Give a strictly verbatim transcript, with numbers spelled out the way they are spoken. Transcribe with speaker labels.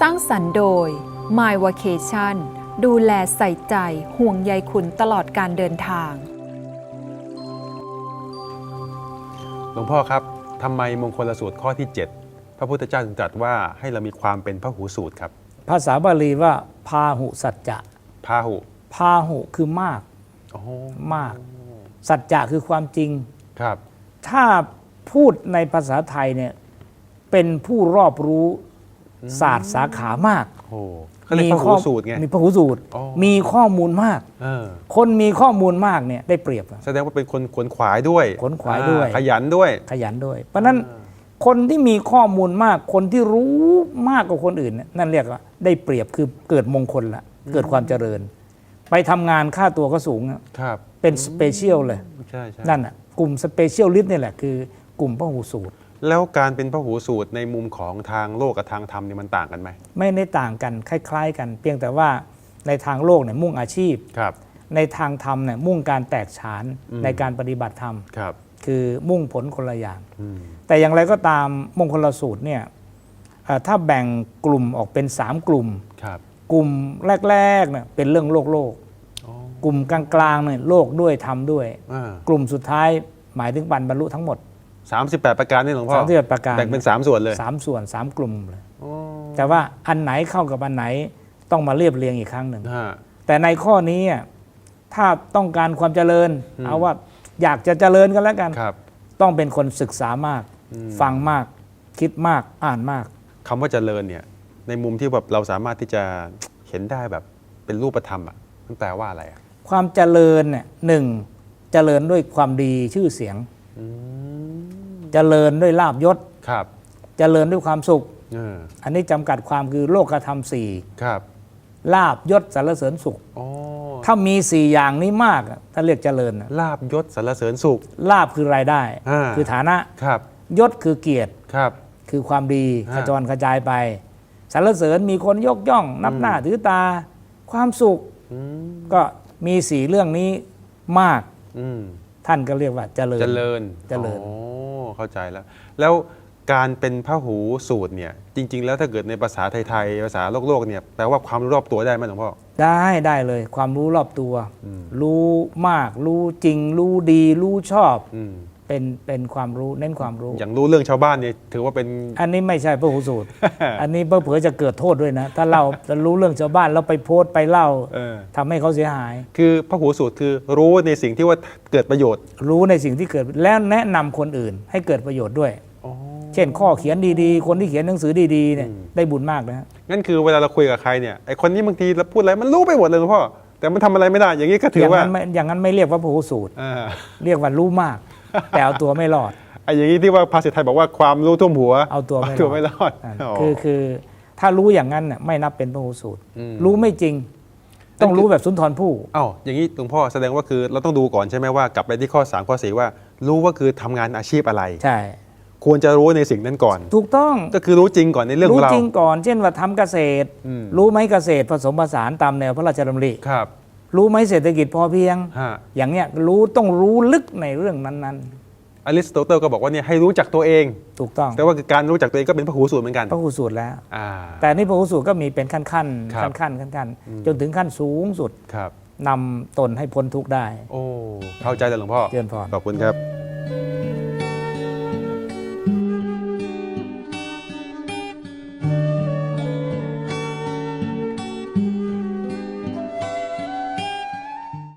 Speaker 1: ร้างสรรค์โดย My Vacation ดูแลใส่ใจห่วงใยคุณตลอดการเดินทาง
Speaker 2: หลวงพ่อครับทำไมมงคลสูตรข้อที่เจ็ดพระพุทธเจ้าจึงตรัสว่าให้เรามีความเป็นพหูสูตรครับ
Speaker 3: ภาษาบาลีว่าพาหุสัจจะ
Speaker 2: พาหุ
Speaker 3: พาหุคือมาก
Speaker 2: โอ้
Speaker 3: มากสัจจะคือความจริง
Speaker 2: ครับ
Speaker 3: ถ้าพูดในภาษาไทยเนี่ยเป็นผู้รอบรู้ศาสตร์สาขามาก
Speaker 2: โอ้เขาเรียกพหูสูตรไง
Speaker 3: มีพหูสูตรมีข้อมูลมากคนมีข้อมูลมากเนี่ยได้เปรียบ
Speaker 2: แสดงว่าเป็นคนขวนขวายด้วย
Speaker 3: ขวนขวายด้วย
Speaker 2: ขยันด้วย
Speaker 3: ขยันด้วยเพราะนั้นคนที่มีข้อมูลมากคนที่รู้มากกว่าคนอื่นนั่นเรียกว่าได้เปรียบคือเกิดมงคลละเกิดความเจริญไปทำงานค่าตัวก็สูง
Speaker 2: ครับ
Speaker 3: เป็นสเปเชียลเลยนั่นอ่ะกลุ่มสเปเชียลลิสต์นี่แหละคือกลุ่มพหูสูตร
Speaker 2: แล้วการเป็นพหูสูตรในมุมของทางโลกกับทางธรรมนี่มันต่างกันไหม
Speaker 3: ไม่ได้ต่างกันคล้ายๆกันเพียงแต่ว่าในทางโลกเนี่ยมุ่งอาชีพในทางธรรมเนี่ยมุ่งการแตกฉานในการปฏิบัติธรรมคือมุ่งผลคนละอย่างแต่อย่างไรก็ตามมงคลสูตรเนี่ยถ้าแบ่งกลุ่มออกเป็นสามกลุ่มกลุ่มแรกๆเนี่ยเป็นเรื่องโลกโลกกลุ่มกลางๆเนี่ยโลกด้วยธรรมด้วยกลุ่มสุดท้ายหมายถึงบรรลุทั้งหมด
Speaker 2: สามสิบแปดประการนี่หลวงพ่อ
Speaker 3: สามสิบแปดประการ
Speaker 2: แบ่งเป็นสามส่วนเลย
Speaker 3: สามส่วนสามกลุ่มเลยแต่ว่าอันไหนเข้ากับอันไหนต้องมาเรียบเรียงอีกครั้งหนึ่งแต่ในข้อนี้ถ้าต้องการความเจริญเอาว่าอยากจะเจริญกันแล้วกันต้องเป็นคนศึกษามากฟังมากคิดมากอ่านมาก
Speaker 2: คำว่าเจริญเนี่ยในมุมที่แบบเราสามารถที่จะเห็นได้แบบเป็นรูปธรรมอ่ะมันแปลว่าอะไร
Speaker 3: ความเจริญเนี่ยหนึ่งเจริญด้วยความดีชื่อเสียงเจริญด้วยลาภยศ
Speaker 2: ครับ
Speaker 3: เจริญด้วยความสุขอันนี้จำกัดความคือโลกธรรมสี่
Speaker 2: ครับ
Speaker 3: ลาภยศสรรเสริญสุขถ้ามีสี่อย่างนี้มากถ้าเรียกเจริญ
Speaker 2: ลาภยศสรรเสริญสุข
Speaker 3: ลาภคือรายได้คือฐานะครับยศคือเกียรติ
Speaker 2: ครับ
Speaker 3: คือความดีกระจรกระจายไปสรรเสริญมีคนยกย่องนับหน้าถือตาความสุขก็มีสี่เรื่องนี้มากท่านก็เรียกว่าเจริญ
Speaker 2: เจริญ
Speaker 3: เจริญ
Speaker 2: โอ้เข้าใจแล้วแล้วการเป็นพหูสูตรเนี่ยจริงๆแล้วถ้าเกิดในภาษาไทยๆภาษาโลกโลกเนี่ยแปลว่าความรู้รอบตัวได้ไหมหลวงพ่อ
Speaker 3: ได้ได้เลยความรู้รอบตัวรู้มากรู้จริงรู้ดีรู้ชอบเป็นเป็นความรู้เน้นความรู้
Speaker 2: อย่างรู้เรื่องชาวบ้านเนี่ยถือว่าเป็น
Speaker 3: อันนี้ไม่ใช่พหูสูตร อันนี้เผื่อจะเกิดโทษด้วยนะถ้าเราจะรู้เรื่องชาวบ้านแล้วไปโพสต์ไปเล่าทำให้เขาเสียหาย
Speaker 2: คือพหูสูตรคือรู้ในสิ่งที่ว่าเกิดประโยชน์
Speaker 3: รู้ในสิ่งที่เกิดแล้วแนะนำคนอื่นให้เกิดประโยชน์ด้วยเช่นข้อเขียนดีๆคนที่เขียนหนังสือดีๆเนี่ยได้บุญมากนะ
Speaker 2: งั้นคือเวลาเราคุยกับใครเนี่ยไอคนนี้บางทีเราพูดอะไรมันรู้ไปหมดเลยหลวงพ่อแต่มันทำอะไรไม่ได้อย่างนี้ก็ถือว่า
Speaker 3: อย่างนั้นไม่เรียกว่าพหูสูตรเรียกว่ารู้มากแต่เอาตัวไม่รอด
Speaker 2: ไอ้อย่างนี้ที่ว่าภาษาไทยบอกว่าความรู้ท่วมหัว
Speaker 3: เอาตัว
Speaker 2: ไม่รอด
Speaker 3: คือคือถ้ารู้อย่างนั้นน่ะไม่นับเป็นพหูสูตรรู้ไม่จริงต้องรู้แบบสุนทรภู่
Speaker 2: อ้าวอย่างนี้หลวงพ่อแสดงว่าคือเราต้องดูก่อนใช่ไหมว่ากลับไปที่ข้อสามข้อสี่ว่ารู้ว่าคือทำงานอาชีพอะไร
Speaker 3: ใช่
Speaker 2: ควรจะรู้ในสิ่งนั้นก่อน
Speaker 3: ถูกต้อง
Speaker 2: ก็คือรู้จริงก่อนในเรื่องของเรา
Speaker 3: รู้จริงก่อนเช่นว่าทำเกษตรรู้ไหมเกษตรผสมผสานตามแนวพระราชดำริ
Speaker 2: ครับ
Speaker 3: รู้ไหมเศรษฐกิจพอเพียงอย่างเนี้ยรู้ต้องรู้ลึกในเรื่องนั้น
Speaker 2: ๆอริสโตเติลก็บอกว่าเนี่ยให้รู้จักตัวเอง
Speaker 3: ถูกต้อง
Speaker 2: แต่ว่าการรู้จักตัวเองก็เป็นพหูสูตรเหมือนกัน
Speaker 3: พหูสูตรแล้วแต่นี่พหูสูตรก็มีเป็นขั้นขั้นขั้นขั้นขั้นขั้นจนถึงขั้นสูงสุดนำตนให้พ้นทุกข์ได้
Speaker 2: โอ้เข้าใจแล้วหลวงพ่อ
Speaker 3: เจริญพร
Speaker 2: ขอบคุณครับ